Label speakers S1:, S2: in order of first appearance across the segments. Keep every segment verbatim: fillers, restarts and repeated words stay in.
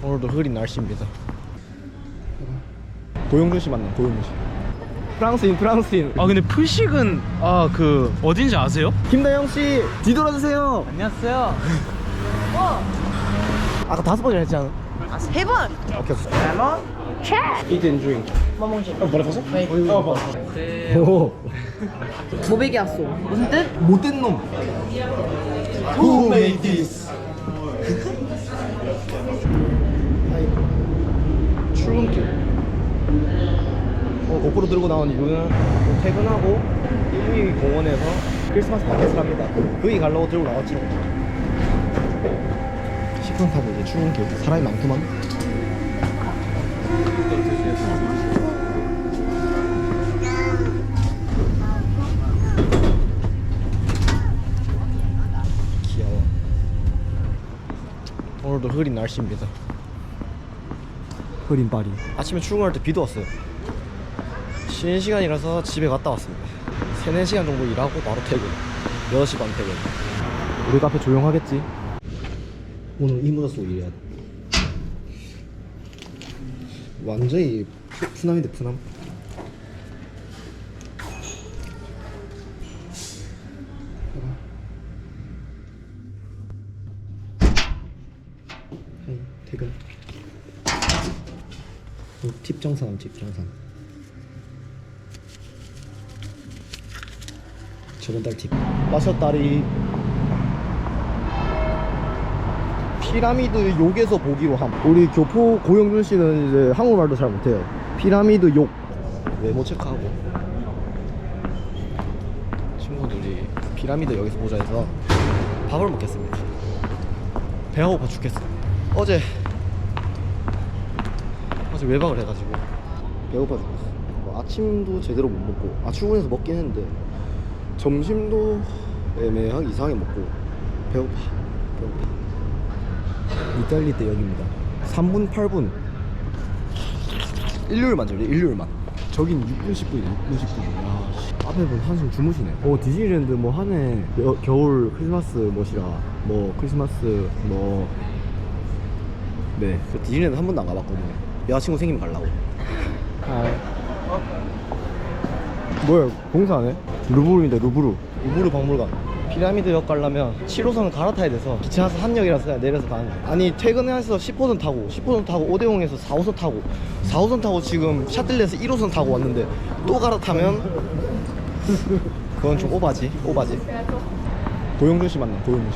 S1: 오늘도 흐린 날씨입니다. 고영준 씨 맞나? 고영준 씨. 프랑스인 프랑스인.
S2: 아 근데 풀식은 아 그 어딘지 아세요?
S1: 김다영 씨 뒤돌아주세요.
S2: 안녕하세요.
S1: 아까 다섯 번이나 했지 않아?
S3: 아, 세 번!
S1: 오케이 오케이.
S3: 레몬, 차!
S1: Eat and drink.
S3: 뭐 먹지?
S1: 어, 뭐라 했어?
S3: 네.
S1: 어, 봐. 오.
S3: 모베기 왔어. 무슨 뜻?
S1: 못된 놈. Who made this? 출근길. 어, 고프로 들고 나온 이유는 퇴근하고 일위 공원에서 크리스마스 마켓을 합니다. 거기 가려고 들고 나왔죠. 식당 타고 이제 출근길. 사람이 많구만. 귀여워. 오늘도 흐린 날씨입니다. 흐린 파리. 아침에 출근할 때 비도 왔어요. 쉬는 시간이라서 집에 갔다 왔습니다. 세네 시간 정도 일하고 바로 퇴근. 여섯 시 반 퇴근. 우리 카페 조용하겠지? 오늘 이 모자 쓰고 일해야 돼. 완전히 푸남인데 푸남. 하이, 퇴근. 어, 팁 정산, 팁 정산. 저번 달 팁. 마셨다리. 피라미드 욕에서 보기로 함. 우리 교포 고영준 씨는 이제 한국말도 잘 못해요. 피라미드 욕. 외모 체크하고. 친구들이 피라미드 여기서 보자 해서 밥을 먹겠습니다. 배가 고파 죽겠어. 어제 어제 외박을 해가지고 배고파 죽겠어. 뭐 아침도 제대로 못 먹고, 아 출근해서 먹긴 했는데 점심도 애매하게 이상하게 먹고 배고파. 배고파. 이탈리 때 여기입니다. 삼 분 팔 분. 일요일만 저래. 일요일만. 저긴 육 분 십 분이네. 육 분 십 분. 야, 씨. 앞에 분 한숨 주무시네. 어, 디즈니랜드 뭐 한해 겨울 크리스마스 뭐시라 뭐 크리스마스 뭐 네. 저 디즈니랜드 한 번도 안 가봤거든요. 여자친구 생기면 가려고. 아. 뭐야, 공사 안 해? 루브르인데, 루브르. 루브르 박물관. 피라미드역 가려면 칠 호선을 갈아타야 돼서 기차에서 한역이라서 그냥 내려서 가는 거야. 아니 퇴근해서 십 호선 타고 십 호선 타고 오대홍에서 사 호선 타고 사 호선 타고 지금 샤틀레에서 일 호선 타고 왔는데 또 갈아타면 그건 좀 오바지. 오바지. 고영준 씨 맞나? 고영준 씨.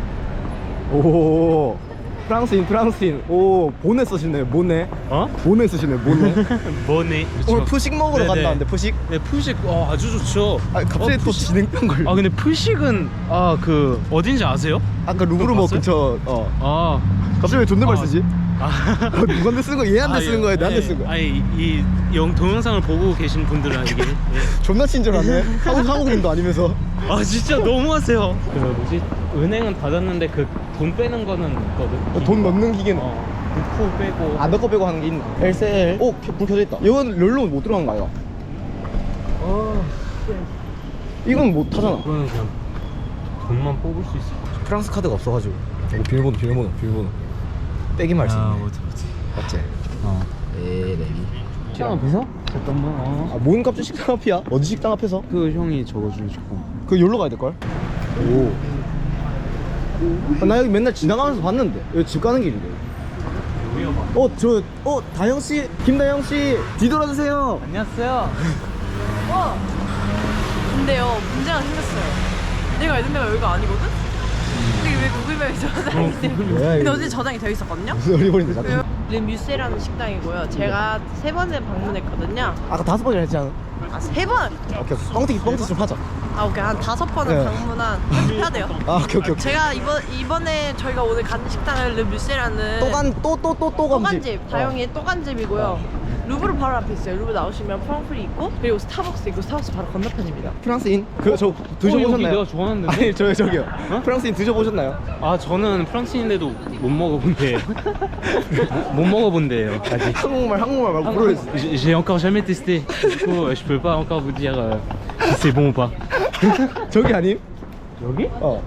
S1: 오, 프랑스인 프랑스인. 오, 보네 쓰시네. 모네.
S2: 어?
S1: 보네 쓰시네. 모네.
S2: 뭐네?
S1: 오늘 푸식 먹으러
S2: 네네.
S1: 간다는데 푸식.
S2: 네 풀식 어 아주 좋죠.
S1: 아 갑자기
S2: 어,
S1: 또
S2: 풀식.
S1: 진행병 걸려.
S2: 아 근데 풀식은 아 그 어딘지 아세요?
S1: 아까 루브르 뭐
S2: 봤어요?
S1: 근처. 어.
S2: 아
S1: 갑자기 왜 존댓말
S2: 아.
S1: 쓰지?
S2: 아.
S1: 누구한테 쓰는 거야? 얘한테
S2: 아,
S1: 쓰는
S2: 예.
S1: 거야? 나한테
S2: 아니,
S1: 쓰는 거야?
S2: 아니 이 영 동영상을 보고 계신 분들은 이게 예.
S1: 존나 친절하네. 한국 한국인도 아니면서.
S2: 아 진짜 너무하세요. 그 뭐지 은행은 닫았는데 그 돈 빼는 거는 있거든.
S1: 돈 넣는 기계는
S2: 어 넣고 빼고.
S1: 안 넣고 빼고 하는 게 있나? 엘씨엘. 오, 켜- 불 켜져 있다. 이건 열로 못 들어가는 거 아니야?
S2: 어
S1: 이건 못 타잖아.
S2: 그거는 그냥 돈만 뽑을 수 있어.
S1: 프랑스 카드가 없어가지고. 이거 비밀번호, 비밀번호, 비밀번호. 빼기만 할 수 있네.
S2: 못해 못해.
S1: 맞지?
S2: 어.
S1: 에레이.
S2: 식당 앞에서? 잠깐만. 어.
S1: 아, 뭔 갑자기 식당 앞이야? 어디 식당 앞에서?
S2: 그 형이 적어주시고.
S1: 그 여기로 가야 될걸? 오. 아, 나 여기 맨날 지나가면서 봤는데. 여기 집 가는 길인데. 어, 저, 어, 다영씨, 김다영씨, 뒤돌아주세요.
S2: 안녕하세요.
S3: 어! 근데요, 문제가 생겼어요. 내가 있는 데가 여기가 아니거든? 근데 왜 구글맵에 저장이 돼?
S1: 뭐야,
S3: 근데
S1: 이거.
S3: 어제 저장이 되어 있었거든요?
S1: 무슨 어리버리인데, 자꾸.
S3: 르 뮤세라는 식당이고요. 제가 세 번째 방문했거든요.
S1: 아까 다섯 번이나 했지 않아?
S3: 아, 세 번!
S1: 오케이, 오케이. 뻥튀기, 뻥튀기 좀 하자.
S3: 아, 오케이. 한 다섯 번은
S1: 네.
S3: 방문한 편집해야 돼요.
S1: 아, 오케이, 오케이, 오케이.
S3: 제가 이번, 이번에 저희가 오늘 가는 식당은 르 뮤세라는
S1: 또간, 또, 또, 또, 또 감집.
S3: 또간집, 다영이의 또간집이고요. 루브르 바로 앞에 있어요. 루브르 나오시면 프랑프리 있고, 그리고 스타벅스 있고, 스타벅스 바로 건너편입니다.
S1: 프랑스인? 그, 저,
S2: 어, 여기
S1: 드셔보셨나요?
S2: 내가 좋아하는데.
S1: 아니, 저, 저기요.
S2: 어?
S1: 프랑스인 드셔보셨나요?
S2: 아 저는 프랑스인데도 못 먹어본데요. 못 먹어본데요 아직.
S1: 한국말, 한국말 말고 불러야지.
S2: J'ai j'ai encore jamais testé. Du coup, je peux pas encore vous dire euh, si c'est bon ou pas.
S1: 저기 아님?
S2: 여기?
S1: 어.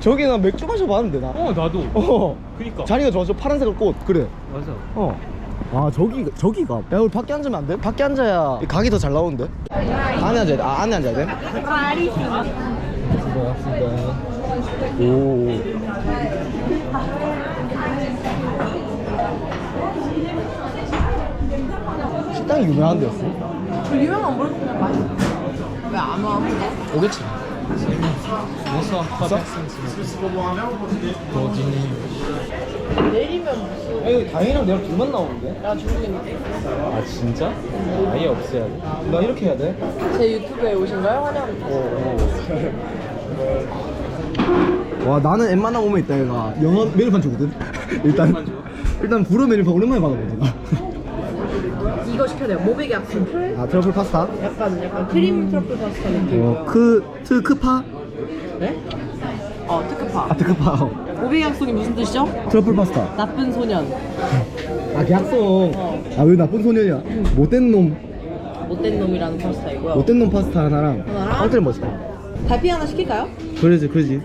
S1: 저기 나 맥주 마셔봤는데 나.
S2: 어 나도.
S1: 어.
S2: 그니까.
S1: 자리가 좋아. 저 파란색 꽃. 그래.
S2: 맞아.
S1: 어. 아 저기 저기가. 야 우리 밖에 앉으면 안 돼? 밖에 앉아야 이 각이 더 잘 나오는데. 안에 앉아야 돼. 아 안에 앉아야 돼. 수고하셨습니다. 오. 식당이 유명한 데였어.
S3: 유명한 뭘 왜안 와?
S1: 오겠지.
S2: Bonsoir, trois personnes.
S3: 내리면 무슨
S1: 아, 여기 다행이랑 내가 둘만 나오는데?
S3: 나 중국인데.
S2: 아 진짜? 아예 없애야 돼.
S1: 나 이렇게 해야 돼?
S3: 제 유튜브에 오신가요? 환영합니다.
S1: 와 나는 웬만한 오면 있다 얘가 영어 메뉴판 주거든? 일단 일단 불어 메뉴판 오랜만에 받아보지 나.
S3: 이거 시켜야 돼요. 모베기 악플.
S1: 아 트러플 파스타?
S3: 약간 약간 크림 트러플 파스타 느낌이고요.
S1: 어, 크, 트크파?
S3: 네? 어 특급파.
S1: 아 트크파 어.
S3: 모베기 약속이 무슨 뜻이죠?
S1: 트러플 파스타
S3: 나쁜 소년.
S1: 아 계약성
S3: 어.
S1: 아 왜 나쁜 소년이야 못된 놈
S3: 못된 놈이라는 파스타이고요.
S1: 못된 놈 파스타 하나랑
S3: 하나랑?
S1: 빵틀 뭐 있을까?
S3: 달피 하나 시킬까요?
S1: 그러지 그러지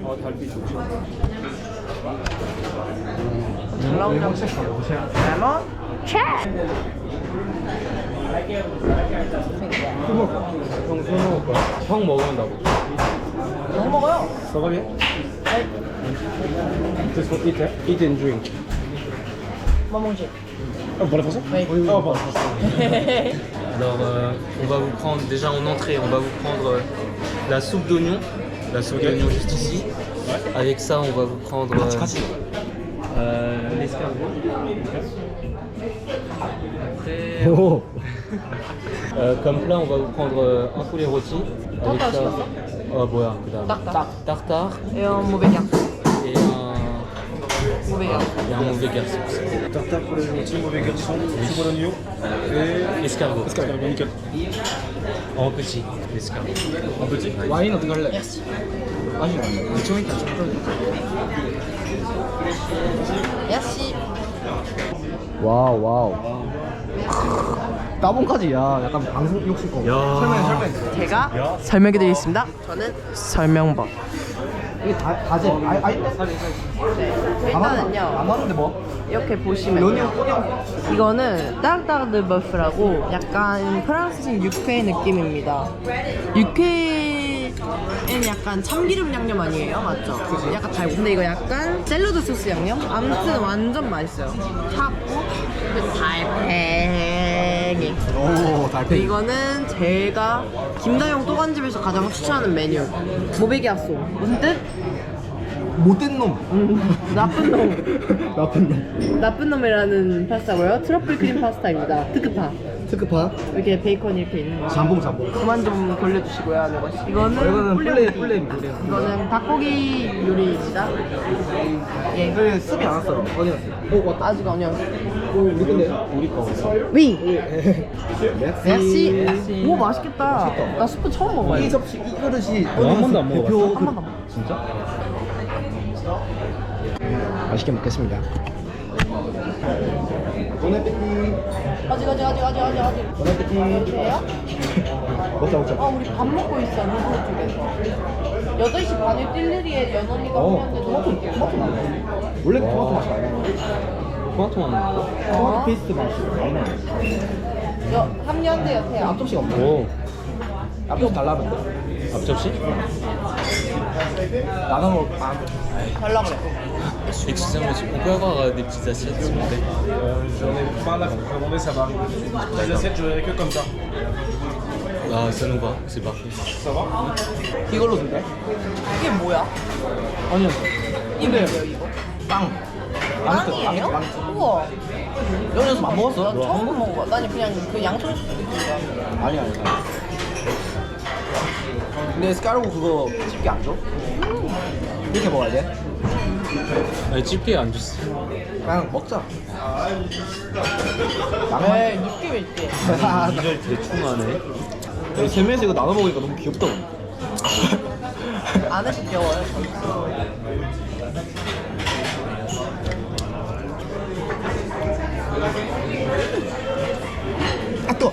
S3: 잘 나오냐고. 레몬?
S2: 형 술 먹을 거야? 형 먹으면 나 먹어.
S3: 너무 먹어요.
S2: Ça bien? Just for eat, eat and drink.
S3: 뭐 먹지?
S2: Oh, pour la façon?
S3: Oui.
S2: Oh, pour la façon. Alors, euh, on va vous prendre, déjà en entrée, on va vous prendre euh, la soupe d'oignon. La soupe d'oignon juste ici. Avec ça, on va vous prendre euh, euh, l'escargot. Après,
S1: 오
S2: euh, comme plat, on va vous prendre euh, un poulet rôti. Avec
S3: Tartare,
S2: ça,
S3: c'est pas
S2: euh, voilà, 그다음.
S3: Tartare.
S2: Tartare
S3: Et un mauvais garçon.
S2: et un,
S3: Mauvais garçon.
S2: et un mauvais garçon.
S4: Tartare pour les rôtis, mauvais garçon, soupe pour l'oignon et
S2: Escargot.
S4: escargot, nickel.
S2: En petit, l'escargot.
S4: En petit.
S1: 와인 어떻게 할래?
S3: Merci.
S1: 맛이 좀 있다
S3: Merci.
S1: 와우 와우 따봉까지 야 약간 방송 욕실 거
S2: 야.
S1: 설명해 설명해
S3: 제가 설명해 드리겠습니다. 저는 설명법.
S1: 이게 다, 다지 아이 아이 때
S3: 일단은요.
S1: 안 하는데 뭐
S3: 이렇게 보시면
S1: 연유 꼬냥
S3: 이거는 따르따르드 버프라고 약간 프랑스식 육회 느낌입니다. 육회는 약간 참기름 양념 아니에요? 맞죠? 약간 달고 근데 이거 약간 샐러드 소스 양념? 아무튼 완전 맛있어요. 타고 그 달팽이.
S1: 오 달팽이
S3: 이거는 제가 김다영 또간집에서 가장 추천하는 메뉴 모베기 핫소. 무슨 뜻?
S1: 못된 놈
S3: 음, 나쁜 놈.
S1: 나쁜 놈
S3: 나쁜 놈이라는 파스타고요. 트러플 크림 파스타입니다. 특급파.
S1: 특급파
S3: 이렇게 베이컨이 이렇게 있는 거.
S1: 잠봉 잠봉
S3: 그만 좀 돌려주시고요. 하는 거. 이거는
S1: 이거는 플레이
S3: 뿔레기.
S1: 플레이 요리야
S3: 이거는 닭고기 요리입니다. 예.
S1: 그 습이 안 왔어 어디 갔어? 오 왔다
S3: 아직 아니요.
S1: 오 우리 건데 우리 거
S3: 위.
S1: 메시
S3: 메시. 오 맛있겠다. 나 스프 처음
S1: 이
S3: 먹어요.
S1: 접시 이 그릇이
S2: 한 번도 안 먹어봤어.
S1: 대표
S3: 한 번도 안 먹어.
S2: 진짜?
S1: 맛있게 먹겠습니다 보네피티
S3: 아직 아직 아직 아직 아직 아직.
S1: 보네피티
S3: 돼요?
S1: 먹자 먹자
S3: 아 우리 밥 먹고 있어 루브 쪽에서. 여덟 시 반에 띨리리에 연언니가
S1: 어
S3: 오는데
S1: 토마토 토마토 맛 원래 토마토 맛이 안 나.
S2: 토마토만 먹어?
S1: 토마토 페이스트 맛이 많이 나.
S3: 여 합류한대요 태요.
S1: 앞접시가 없네.
S2: 오.
S1: 앞접시 달라는데.
S2: 앞접시?
S1: 나눠 먹. 아,
S3: 달라 그래.
S2: Excusez-moi, monsieur, on peut avoir euh, des petites assiettes s'il vous plaît?
S4: Euh, J'en ai pas là, faut commander, ça va arriver. Les assiettes, je verrai que comme ça.
S2: Ah, ça nous va, c'est parfait.
S4: Ça va?
S1: 이걸로 줄래?
S3: 이게 뭐야?
S1: 아니요.
S3: 이게 뭐예요 이거?
S1: 빵.
S3: 빵이에요?
S1: 빵.
S3: 우와.
S1: 여기서 안 먹었어?
S3: 나 처음 먹어봐. 난 그냥 그 양손 느낌이야.
S1: 아니 아니. 근데 스카르고 그거 집게 안 줘? 이렇게 먹어야 돼?
S2: 아니, 집게 안 줬어.
S1: 그냥 먹자.
S3: 에이 느낌 있지.
S2: 이절 대충 하네.
S1: 우리 세 명이서 이거 나눠 먹으니까 너무 귀엽다.
S3: 안에서 귀여워요.
S1: 아 또.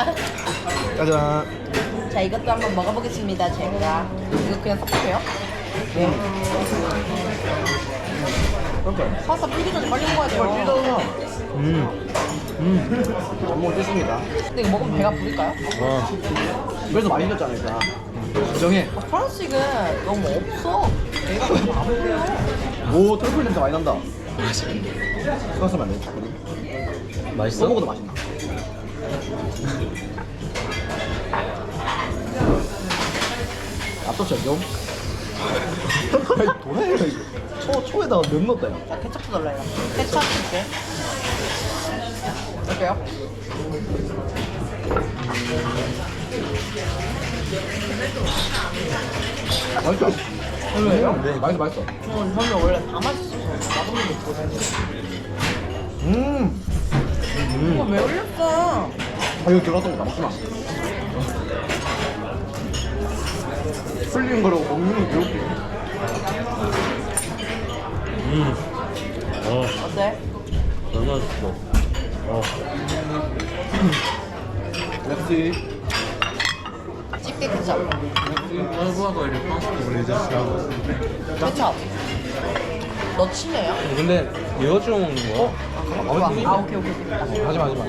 S1: 짜잔.
S3: 자 이것도 한번 먹어보겠습니다. 제가 이거 그냥 섞어요?
S1: 그러니까
S3: 파스타 풀기 전에 빨리 먹어야 돼요.
S1: 정말 찢어서
S2: 음. 음.
S1: 전복을 뜯습니다.
S3: 근데 이거 먹으면 배가 부를까요?
S2: 와.
S1: 그래서 맛있었지 않을까. 인정해.
S3: 아, 프랑스식은 너무 없어. 배가 안 불러.
S1: 오 트러플 냄새 많이 난다. 수고하시면 안 돼.
S2: 맛있어?
S1: 먹어도 맛있나? 앞접시 안 좀? 아니 도라이가 이거 초, 초에다가 면 넣었다 야.
S3: 자, 케첩도 달라요. 케첩 줄게. 어때요?
S1: 맛있다.
S3: 왜요?
S1: 네 맛있어 맛있어.
S3: 어, 저는 원래 다 맛있어서 맛없는 게 좋아해요.
S1: 음.
S3: 이거 왜 올렸어?
S1: 아 이거 들어갔던 거 남지마. 풀린 거라고 먹는 거 배울게.
S2: 음. 어.
S3: 어때?
S2: 너무 맛있어. 어.
S1: 역시.
S3: 집게 케첩.
S2: On voit quoi, les France pour les esclaves.
S3: 케첩. 너 친해요?
S2: 근데 이거 좀 먹는 거야?
S3: 좋아. 아, 오케이, 오케이, 오케이.
S1: 하지마 하지마.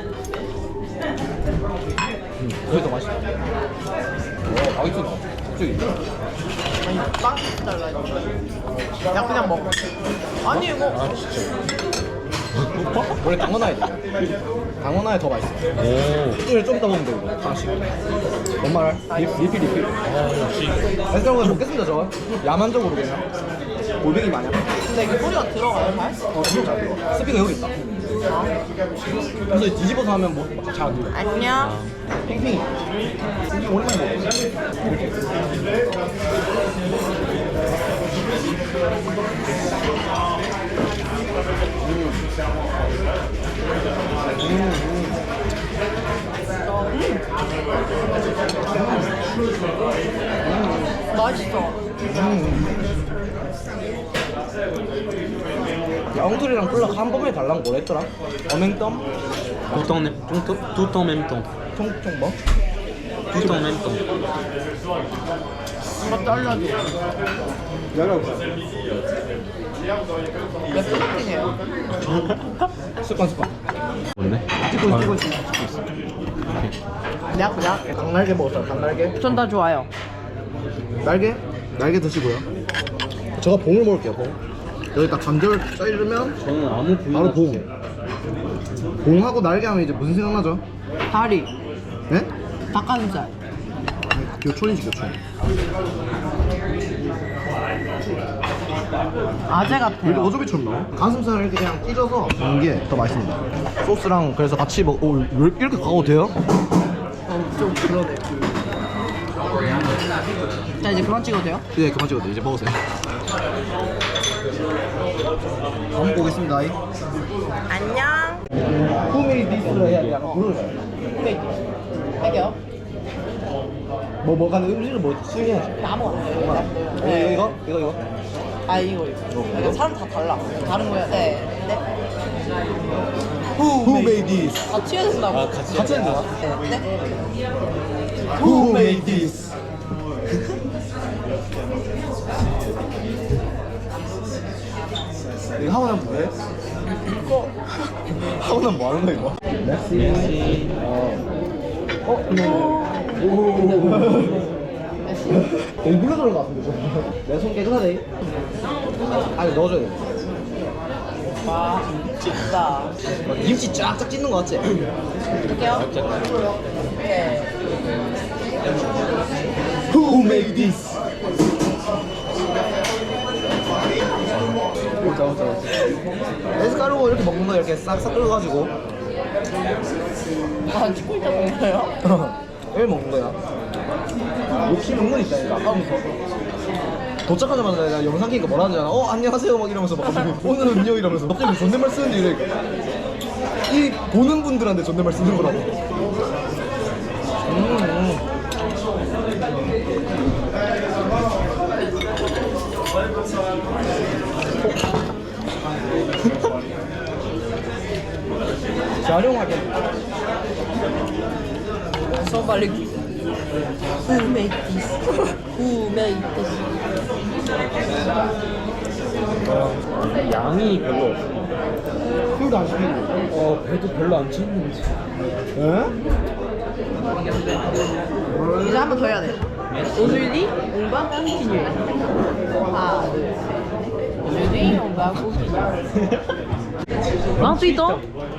S1: 음, 그게 더 맛있다. 와 맛있어. 갑자기.
S3: 아니, 빵 잘라야 돼. 야, 그냥 먹어. 아니, 이거.
S2: 아 진짜.
S1: 원래 강원아야 돼. 강원아야 더 맛있어.
S2: 오.
S1: 이걸 좀 더 먹으면 돼 이거. 하나씩. 뭔 말? 리- 리필 리필.
S2: 아 역시.
S1: 그래서 그냥 먹겠습니다 저. 야만적으로 그냥. 골뱅이 마냥.
S3: 근데 이게 소리가 들어가요, 잘?
S1: 어 지금 잘 들어. 스피커 여기 있다. 그래서 뒤집어서 하면 뭐 잘 안 들려.
S3: 안녕.
S1: 팽팽이. 팽팽이 오랜만에 먹어. 이렇게.
S3: 맛있어.
S1: 야, 엉터리랑 콜라 한 번에 달랑 뭐라 했더라? 어맹덤?
S2: Tout en, tout, tout en même temps.
S1: 총총 뭐?
S2: Tout en même temps.
S3: 이거 잘라줘.
S1: 열어보자.
S3: 왜 푸석이네요?
S1: 습관 습관.
S2: 뭔데?
S1: 찍고 있어 찍고 있어 찍고 있어.
S3: 내가 그냥.
S1: 닭날개 먹었어요 닭날개.
S3: 전 다 좋아요.
S1: 날개? 날개 드시고요. 제가 봉을 먹을게요 봉. 여기 딱 관절 자르면
S2: 저는 아무 부위나
S1: 바로 봉.
S2: 주세요.
S1: 봉하고 날개 하면 이제 무슨 생각나죠?
S3: 다리,
S1: 네?
S3: 닭가슴살.
S1: 교촌이지 교촌.
S3: 아재
S1: 왜
S3: 같아요.
S1: 이렇게 어저비처럼 나와? 가슴살을 이렇게 그냥 찢어서 먹는 게 더 맛있습니다. 소스랑 그래서 같이 먹. 오, 왜 이렇게 이렇게 가도 돼요?
S3: 어, 좀 그러네. 자, 이제 그만 찍어도 돼요?
S1: 네 그만 찍어도 돼. 이제 먹으세요. 한번 보겠습니다.
S3: 안녕.
S1: Who made this를 해야 돼. 약간 부르잖아요.
S3: 네. 할게요.
S1: 뭐 뭐가 음식을 뭐 수행해야지.
S3: 아무거나.
S1: 네. 이거 이거 이거.
S3: 아, 이거, 이거. 이거 사람 다 달라. 다른 거야. 네. 네.
S1: Who, Who made this?
S3: 같이 해야 된다고.
S2: 아, 같이
S1: 같이 해야 되나?
S3: 네. 네.
S1: Who made this? 이거 하고 나면 뭐해? 이거 하고 나면 뭐 하는 거야 이거?
S2: Merci.
S1: 어? 오. 너무 물러 들어간 것 같은데 내 손 깨끗하네. 아니 넣어줘야 돼.
S3: 와, 진짜.
S1: 김치 쫙쫙 찢는 거 같지?
S3: 할게요. 네.
S1: Who made this? 오자 오자 오자. 에스카르고 이렇게 먹는 거 이렇게 싹싹 끓여가지고
S3: 아, 찍고 있다는 거예요?
S1: 왜 먹는 거야? 욕심 은근 있다니까 아까부터. 도착하자마자 내가 영상 키니까 뭐라 하잖아. 어 안녕하세요 막 이러면서 막 갑자기 오늘은요 이러면서 갑자기 존댓말 쓰는데 이래. 이 보는 분들한테 존댓말 쓰는 거라고. 음, 음. 재활용하게.
S3: 저 빨리 Who made this? Who made this?
S2: 양이 별로 없어.
S1: 술도 안 시키고.
S2: 어, 배도 별로 안 찼는지.
S1: 에?
S3: 이제 한 번 더 해야 돼. Aujourd'hui, on va continuer. 하나, 둘, 셋. Aujourd'hui, on va continuer. vingt-huit ans.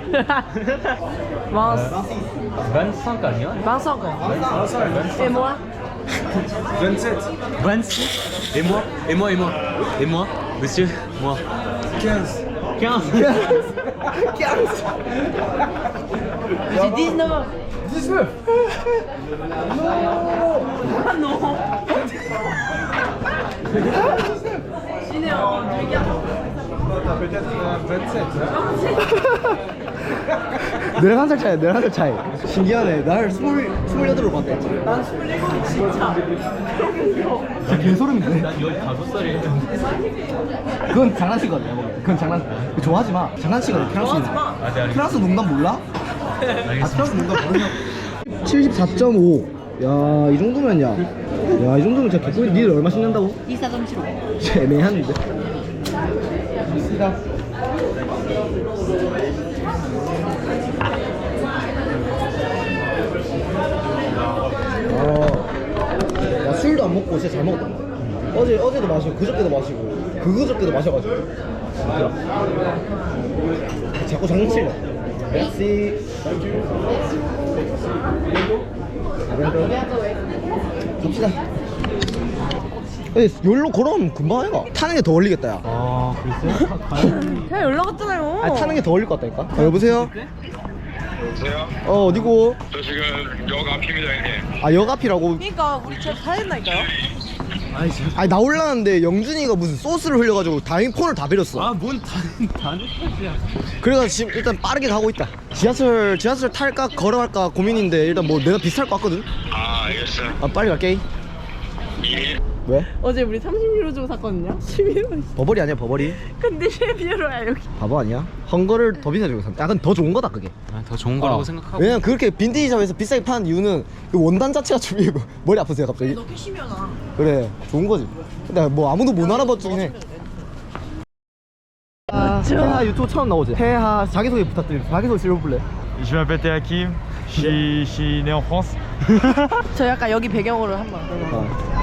S3: Vingt-
S2: vingt-cinq 아니야?
S3: vingt-cinq ans. Et moi?
S4: vingt-sept.
S2: vingt-six. Et moi? Et moi, et moi? Et moi? Monsieur? Moi.
S4: quinze.
S2: quinze.
S3: J'ai dix-neuf ans.
S4: dix-neuf.
S3: Ah non. Je suis né en deux mille quatorze.
S4: T'as peut-être euh, vingt-sept. Hein?
S1: 내랑 한 살 차이, 내랑 한 살 차이. 신기하네. 나를 스물, 스물여덟로 봤대.
S3: 난 스물일곱 진짜.
S1: 진짜 개소름인데?
S2: 난 열다섯 살이야.
S1: 그건 장난치거든. 그건 장난. 좋아하지 마. 장난치거든. 프랑스.
S3: 좋아하지 마.
S2: 아, 네, 알겠습니다.
S1: 프랑스 농담 몰라? 아, 프랑스 농담 모르냐? 칠십사 점 오. 야, 이 정도면 야. 야, 이 정도면 진짜 개꿀. 니들 얼마 신는다고?
S3: 이십사 점 칠오.
S1: 애매한데. 어, 야, 술도 안 먹고 진짜 잘 먹었단 말이야. 어제, 어제도 마시고, 그저께도 마시고, 그그저께도 마셔가지고. 자꾸 장난치려. 메시. 갑시다. 여기로 걸어오면 금방 해가. 타는 게 더 걸리겠다, 야.
S2: 아, 글쎄요?
S3: 그냥 연락 왔잖아요.
S1: 아니, 타는 게 더 걸릴 것 같다니까? 아, 여보세요?
S5: 여보세요?
S1: 어, 어디고?
S5: 저 지금 역 앞입니다, 형님.
S1: 아, 역 앞이라고?
S3: 그러니까 우리 집 사야 된다니까요.
S1: 아니, 나 올라왔는데 영준이가 무슨 소스를 흘려가지고 다행히 폰을 다 버렸어.
S2: 아, 뭔 다, 다는 탓이야.
S1: 그래서 지금 일단 빠르게 가고 있다. 지하철, 지하철 탈까 걸어갈까 고민인데 일단 뭐 내가 비쌀 것 같거든?
S5: 아, 알겠어요.
S1: 아, 빨리 갈게.
S5: 예.
S1: 왜?
S3: 어제 우리 삼십 유로 주고 샀거든요. 십일 유로.
S1: 버버리 아니야, 버버리?
S3: 근데 십일 유로야 여기.
S1: 바보 아니야? 헝거를 더 비싸게 주고 산. 약간 더 좋은 거다, 그게.
S2: 아, 더 좋은 거라고
S1: 어.
S2: 생각하고.
S1: 왜냐면 그렇게 빈티지 샵에서 비싸게 파는 이유는 그 원단 자체가 좀 이거 머리 아프세요 갑자기?
S3: 너 캐시미어나.
S1: 그래, 좋은 거지. 근데 뭐 아무도 못 알아봐주긴 해. 아, 태하 유튜브 처음 나오지? 태하 자기소개 부탁드립니다. 자기소개 실어볼래?
S6: Je m'appelle Théa Kim, je suis, je suis né en France.
S3: 저 약간 여기 배경으로 한번.
S1: 어.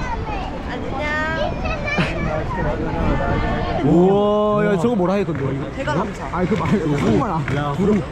S3: 안녕.
S1: 우와, 야 저거 뭐라 했던데?
S3: 대가 남자.
S1: 아니 그 말고 한국말 안. 구름